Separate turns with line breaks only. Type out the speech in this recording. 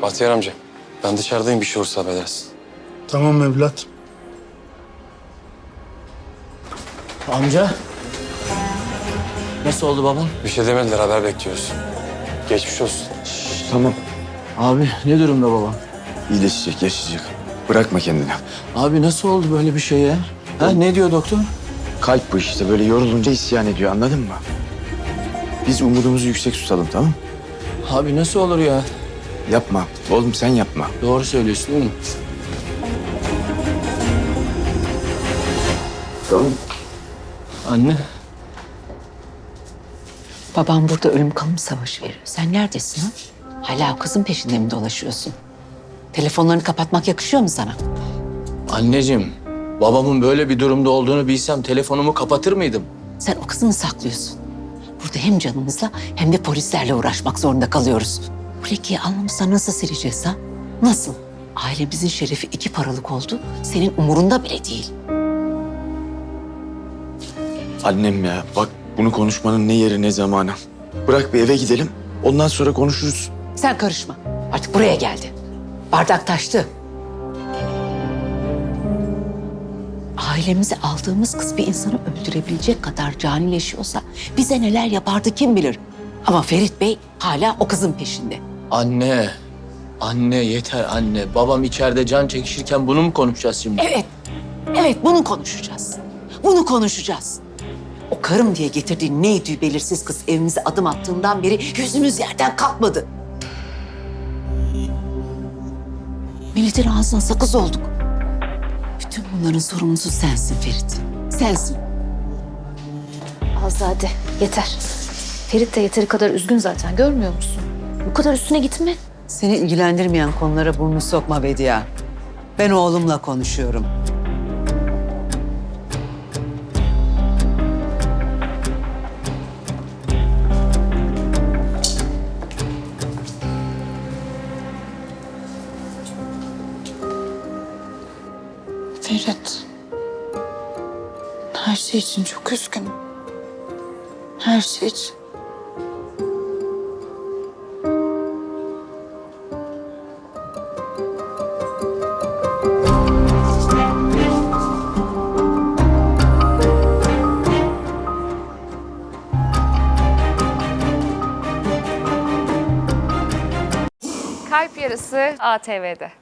Bahtiyar amca, ben dışarıdayım, bir şey olursa haber edersin.
Tamam evlat.
Amca. Nasıl oldu babam?
Bir şey demediler, haber bekliyoruz. Geçmiş olsun.
Tamam.
Abi ne durumda babam?
İyileşecek, yaşayacak. Bırakma kendini.
Abi nasıl oldu böyle bir şey ya? Ha, ne diyor doktor?
Kalp bu işte. Böyle yorulunca isyan ediyor, anladın mı? Biz umudumuzu yüksek tutalım, tamam mı?
Abi nasıl olur ya?
Yapma. Oğlum sen yapma.
Doğru söylüyorsun değil mi?
Tamam.
Anne.
Babam burada ölüm kalım savaşı veriyor. Sen neredesin ha? Hala o kızın peşinde mi dolaşıyorsun? Telefonlarını kapatmak yakışıyor mu sana?
Anneciğim, babamın böyle bir durumda olduğunu bilsem telefonumu kapatır mıydım?
Sen o kızı mı saklıyorsun? Burada hem canımızla hem de polislerle uğraşmak zorunda kalıyoruz. Bu lekeyi alnımızda nasıl sileceğiz ha? Nasıl? Ailemizin şerefi 2 paralık oldu. Senin umurunda bile değil.
Annem ya, bak bunu konuşmanın ne yeri ne zamanı. Bırak bir eve gidelim. Ondan sonra konuşuruz.
Sen karışma. Artık buraya geldi. Bardak taştı. Ailemize aldığımız kız bir insanı öldürebilecek kadar canileşiyorsa bize neler yapardı kim bilir. Ama Ferit Bey hala o kızın peşinde.
Anne. Anne yeter anne. Babam içeride can çekişirken bunu mu konuşacağız şimdi?
Evet, evet bunu konuşacağız. Bunu konuşacağız. O karım diye getirdiğin neydi belirsiz kız evimize adım attığından beri yüzümüz yerden kalkmadı. Milletin ağzına sakız olduk. Bütün bunların sorumlusu sensin Ferit. Sensin.
Azade yeter. Ferit de yeteri kadar üzgün zaten, görmüyor musun? Bu kadar üstüne gitme.
Seni ilgilendirmeyen konulara burnunu sokma Bediye. Ben oğlumla konuşuyorum.
Ferit. Her şey için çok üzgünüm. Her şey için.
Kalp Yarısı ATV'de.